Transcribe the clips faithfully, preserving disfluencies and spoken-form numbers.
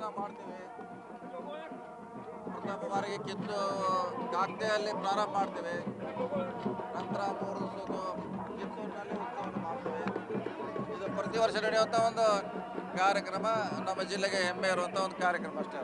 ಮಾಡ್ತೀವಿ. ಪ್ರಥಮ ಬಾರಿಗೆ ಕಿತ್ತು ಕಾಗ್ದೆಯಲ್ಲಿ ಪ್ರಾರಂಭ ಮಾಡ್ತೀವಿ. ನಂತರ ಮೂರು ದಿವಸದ್ದು ಕಿತ್ತೂರಿನಲ್ಲಿ ಉತ್ಸವವನ್ನು ಮಾಡ್ತೀವಿ. ಇದು ಪ್ರತಿ ವರ್ಷ ನಡೆಯುವಂಥ ಒಂದು ಕಾರ್ಯಕ್ರಮ, ನಮ್ಮ ಜಿಲ್ಲೆಗೆ ಹೆಮ್ಮೆ ಇರುವಂಥ ಒಂದು ಕಾರ್ಯಕ್ರಮ ಅಷ್ಟೇ.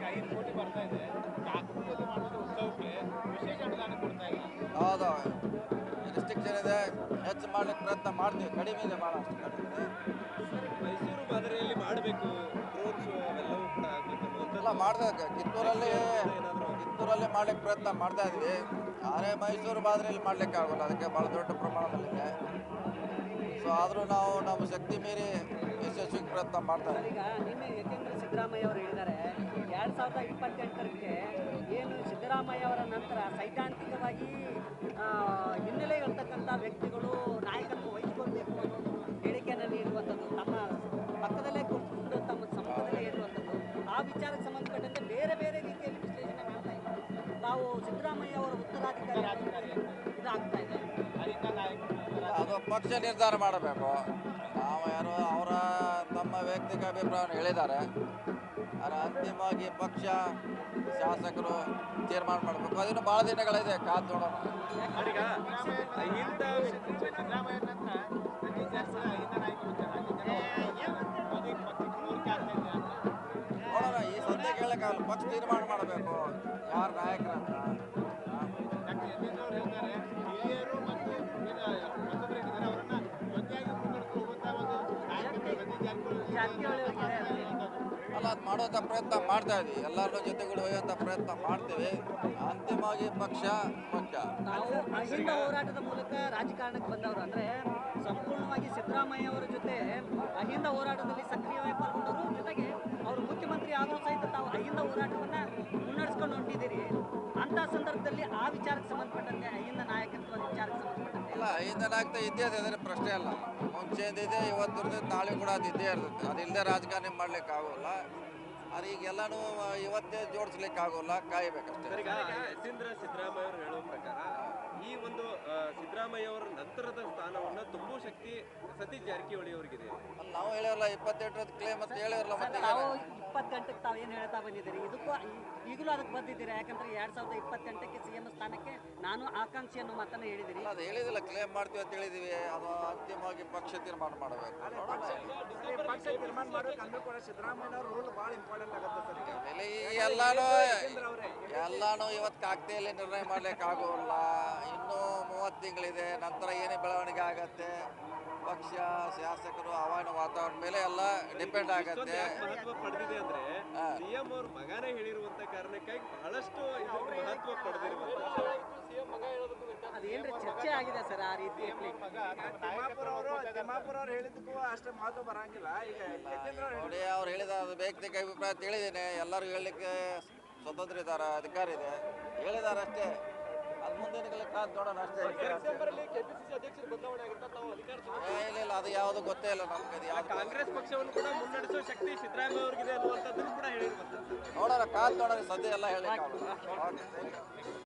ಹೌದು, ರಿಸ್ಟ್ರಿಕ್ಷನ್ ಇದೆ, ಹೆಚ್ಚು ಮಾಡ್ಲಿಕ್ಕೆ ಪ್ರಯತ್ನ ಮಾಡ್ತೀವಿ. ಕಡಿಮೆ ಇದೆ, ಭಾಳ ಅಷ್ಟು ಕಡಿಮೆ ಇದೆ. ಮೈಸೂರು ಮಾದರಿಯಲ್ಲಿ ಮಾಡಬೇಕು ಡ್ರೋನ್ ಶೋ ಅವೆಲ್ಲವೂ ಕೂಡ ಆಗಬೇಕು ಎಲ್ಲ ಮಾಡ್ಬೇಕು. ಕಿತ್ತೂರಲ್ಲಿ ಕಿತ್ತೂರಲ್ಲಿ ಮಾಡ್ಲಿಕ್ಕೆ ಪ್ರಯತ್ನ ಮಾಡ್ತಾ ಇದ್ವಿ. ಆದರೆ ಮೈಸೂರು ಮಾದರಿಯಲ್ಲಿ ಮಾಡ್ಲಿಕ್ಕೆ ಆಗೋಲ್ಲ, ಅದಕ್ಕೆ ಭಾಳ ದೊಡ್ಡ ಪ್ರಮಾಣದಲ್ಲಿದೆ. ಸೊ ಆದರೂ ನಾವು ನಮ್ಮ ಶಕ್ತಿ ಮೀರಿ ಯಶಸ್ವಿಗೆ ಪ್ರಯತ್ನ ಮಾಡ್ತಾ ಇದ್ದೀವಿ. ಈಗ ನಿನ್ನೆ ಯಾಕೆಂದರೆ ಸಿದ್ದರಾಮಯ್ಯ ಅವರು ಹೇಳಿದ್ದಾರೆ, ಎರಡು ಸಾವಿರದ ಇಪ್ಪತ್ತೆಂಟರಕ್ಕೆ ಏನು ಸಿದ್ದರಾಮಯ್ಯ ಅವರ ನಂತರ ಸೈದ್ಧಾಂತಿಕವಾಗಿ ಹಿನ್ನೆಲೆ ಇರ್ತಕ್ಕಂಥ ವ್ಯಕ್ತಿಗಳು ನಾಯಕತ್ವ ವಹಿಸಿಕೊಳ್ಬೇಕು ಅನ್ನೋ ಹೇಳಿಕೆಯನ್ನು ನೀಡುವಂಥದ್ದು, ತಮ್ಮ ಪಕ್ಕದಲ್ಲೇ ಕೂತ್ಕೊಂಡು ತಮ್ಮ ಸಮ್ಮುಖದಲ್ಲೇ ಇರುವಂಥದ್ದು, ಆ ವಿಚಾರಕ್ಕೆ ಸಂಬಂಧಪಟ್ಟಂತೆ ಬೇರೆ ಬೇರೆ ರೀತಿಯಲ್ಲಿ ವಿಶ್ಲೇಷಣೆ ಮಾಡ್ತಾ ಇದ್ದಾರೆ. ನಾವು ಸಿದ್ದರಾಮಯ್ಯ ಅವರ ಉತ್ತರಾಧಿಕಾರಿ ಇದಾಗ್ತಾ ಇದೆ. ಅದು ಪಕ್ಷ ನಿರ್ಧಾರ ಮಾಡಬೇಕು. ನಾವು ಯಾರು ಅವರ ತಮ್ಮ ವೈಯಕ್ತಿಕ ಅಭಿಪ್ರಾಯವನ್ನು ಹೇಳಿದ್ದಾರೆ, ಆದರೆ ಅಂತಿಮವಾಗಿ ಪಕ್ಷ ಶಾಸಕರು ತೀರ್ಮಾನ ಮಾಡಬೇಕು. ಅದಿನ್ನು ಭಾಳ ದಿನಗಳಿದೆ, ಕಾದು ನೋಡೋಣ. ನೋಡೋಣ, ಈ ಸದ್ಯಕ್ಕೆ ಹೇಳಕ್ಕಾಗಲ್ಲ. ಪಕ್ಷ ತೀರ್ಮಾನ ಮಾಡಬೇಕು ಯಾರು ನಾಯಕರಂತ. ಅಲ್ಲ, ಅದು ಮಾಡುವಂಥ ಪ್ರಯತ್ನ ಮಾಡ್ತಾ ಇದ್ದೀವಿ. ಎಲ್ಲರ ಜೊತೆಗೂಡಿ ಹೋಗುವಂಥ ಪ್ರಯತ್ನ ಮಾಡ್ತೀವಿ. ಅಂತಿಮವಾಗಿ ಪಕ್ಷ ಮುಖ್ಯ. ನಾವು ಅಹಿಂದ ಹೋರಾಟದ ಮೂಲಕ ರಾಜಕಾರಣಕ್ಕೆ ಬಂದವರು, ಅಂದರೆ ಸಂಪೂರ್ಣವಾಗಿ ಸಿದ್ದರಾಮಯ್ಯ ಅವರ ಜೊತೆ ಅಹಿಂದ ಹೋರಾಟದಲ್ಲಿ ಸಕ್ರಿಯವಾಗಿ ಪಾಲ್ಗೊಂಡವರು, ಜೊತೆಗೆ ಅವರು ಮುಖ್ಯಮಂತ್ರಿ ಆದರೂ ಸಹಿತ ತಾವು ಅಹಿಂದ ಹೋರಾಟವನ್ನು ಮುನ್ನಡೆಸ್ಕೊಂಡು ಹೊಂಟಿದ್ದೀರಿ. ಅಂಥ ಸಂದರ್ಭದಲ್ಲಿ ಆ ವಿಚಾರಕ್ಕೆ ಸಂಬಂಧಪಟ್ಟಂತೆ ಅಹಿಂದ ನಾಯಕತ್ವ ವಿಚಾರಕ್ಕೆ ಸಂಬಂಧಪಟ್ಟಂತೆ ಇಲ್ಲ, ಅಹಿಂದ ನಾಯಕತ್ವ ಇದ್ದೇ ಇದೆ, ಅದರ ಪ್ರಶ್ನೆ ಅಲ್ಲ. ಮುಂಚೆದಿದೆ, ಇವತ್ತಿರ್ತದೆ, ನಾಳೆ ಕೂಡ ಅದು ಇದ್ದೇ ಇರ್ತದೆ. ಅದಿಲ್ಲದೆ ರಾಜಕಾರಣ ಮಾಡ್ಲಿಕ್ಕೆ ಆಗೋಲ್ಲ. ಅದು ಈಗೆಲ್ಲನೂ ಇವತ್ತೇ ಜೋಡಿಸ್ಲಿಕ್ಕೆ ಆಗೋಲ್ಲ, ಕಾಯಬೇಕಷ್ಟೇ. ಯತೀಂದ್ರ ಸಿದ್ದರಾಮಯ್ಯ ಅವರು ಹೇಳುವ ಪ್ರಕಾರ ಈ ಒಂದು ಸಿದ್ದರಾಮಯ್ಯ ಅವರ ನಂತರದ ಸ್ಥಾನವನ್ನು ತುಂಬುವ ಶಕ್ತಿ ಸತೀಶ್ ಜಾರಕಿಹೊಳಿ ಅವರಿಗಿದೆ. ನಾವು ಹೇಳಿರಲ್ಲ, ಇಪ್ಪತ್ತೆಂಟರದ್ದು ಕ್ಲೇಮ್ ಮತ್ತೆ ಹೇಳಿರಲ್ಲ. ಮತ್ತೆ ತಾವು ಇಪ್ಪತ್ತೆಂಟಕ್ಕೆ ತಾವು ಏನು ಹೇಳ್ತಾ ಬಂದಿದ್ದೀರಿ, ಇದಕ್ಕೂ ಈಗಲೂ ಅದಕ್ಕೆ ಬಂದಿದ್ದೀರಾ? ಯಾಕಂದ್ರೆ ಎರಡು ಸಾವಿರದ ಇಪ್ಪತ್ತೆಂಟಕ್ಕೆ ಸಿ ಎಂ ಸ್ಥಾನಕ್ಕೆ ನಾನು ಆಕಾಂಕ್ಷಿ ಅನ್ನೋ ಮಾತನ್ನು ಹೇಳಿದಿರಿ. ಅದು ಹೇಳಿದಿಲ್ಲ, ಕ್ಲೇಮ್ ಮಾಡ್ತೀವಿ ಅಂತ ಹೇಳಿದೀವಿ. ಅದು ಅಂತಿಮವಾಗಿ ಪಕ್ಷ ತೀರ್ಮಾನ ಮಾಡಬೇಕು. ಪಕ್ಷ ತೀರ್ಮಾನ ಮಾಡಬೇಕು ಅಂದ್ರೂ ಕೂಡ ಸಿದ್ದರಾಮಯ್ಯ ಅವ್ರ ರೋಲ್ ಭಾಳ ಇಂಪಾರ್ಟೆಂಟ್ ಆಗುತ್ತೆ ಸರ್. ಎಲ್ಲಾನು ಎಲ್ಲಾನು ಇವತ್ತು ಕಾಗ್ದೆಯಲ್ಲಿ ನಿರ್ಣಯ ಮಾಡ್ಲಿಕ್ಕೆ ಆಗೋಲ್ಲ. ಇನ್ನೂ ಮೂವತ್ತು ತಿಂಗಳಿದೆ, ನಂತರ ಏನೇ ಬೆಳವಣಿಗೆ ಆಗತ್ತೆ, ಪಕ್ಷ ಶಾಸಕರು ಹವಾಮಾನ ವಾತಾವರಣ ಮೇಲೆ ಎಲ್ಲ ಡಿಪೆಂಡ್ ಆಗತ್ತೆ. ಮಹತ್ವ ಪಡೆದಿದೆ ಅಂದ್ರೆ ಸಿಎಂ ಅವ್ರ ಮಗನೇ ಹೇಳಿರುವಂತ ಕಾರಣಕ್ಕಾಗಿ ಬಹಳಷ್ಟು ಮಹತ್ವ ಪಡೆದಿರುವಂತ ಅದೇನ್ರಿ ಚರ್ಚೆ ಆಗಿದೆ ಸರ್ ಆ ರೀತಿ. ತಿಮ್ಮಾಪುರ ಅವರು ತಿಮ್ಮಾಪುರ ಅವ್ರು ಹೇಳಿದ್ದಕ್ಕೂ ಅಷ್ಟೇ ಮಹತ್ವ ಬರಂಗಿಲ್ಲ. ಈಗ ನೋಡಿ, ಅವ್ರು ಹೇಳಿದ ಅದು ವೈಯಕ್ತಿಕ ಅಭಿಪ್ರಾಯ ತಿಳಿದೇನೆ. ಎಲ್ಲರೂ ಹೇಳಲಿಕ್ಕೆ ಸ್ವತಂತ್ರ ಇದ್ದಾರೆ, ಅಧಿಕಾರ ಇದೆ, ಹೇಳಿದ್ದಾರೆ ಅಷ್ಟೇ. ಅದು ಮುಂದಿನ ಕಾದು ನೋಡೋಣ ಅಷ್ಟೇ. ಇಲ್ಲ ಇಲ್ಲ, ಅದು ಯಾವುದು ಗೊತ್ತೇ ಇಲ್ಲ ನಮ್ಗೆ. ಕಾಂಗ್ರೆಸ್ ಪಕ್ಷವನ್ನು ಕೂಡ ಮುನ್ನಡೆಸುವ ಶಕ್ತಿ ಸಿದ್ದರಾಮಯ್ಯ ಅವರಿಗಿದೆ ಅನ್ನುವಂಥದ್ದನ್ನು ಕೂಡ ಹೇಳಿರುವಂಥದ್ದು. ನೋಡೋಣ, ಕಾದು ನೋಡೋಣ. ಸದ್ಯ ಎಲ್ಲ ಹೇಳಲಿಕ್ಕೆ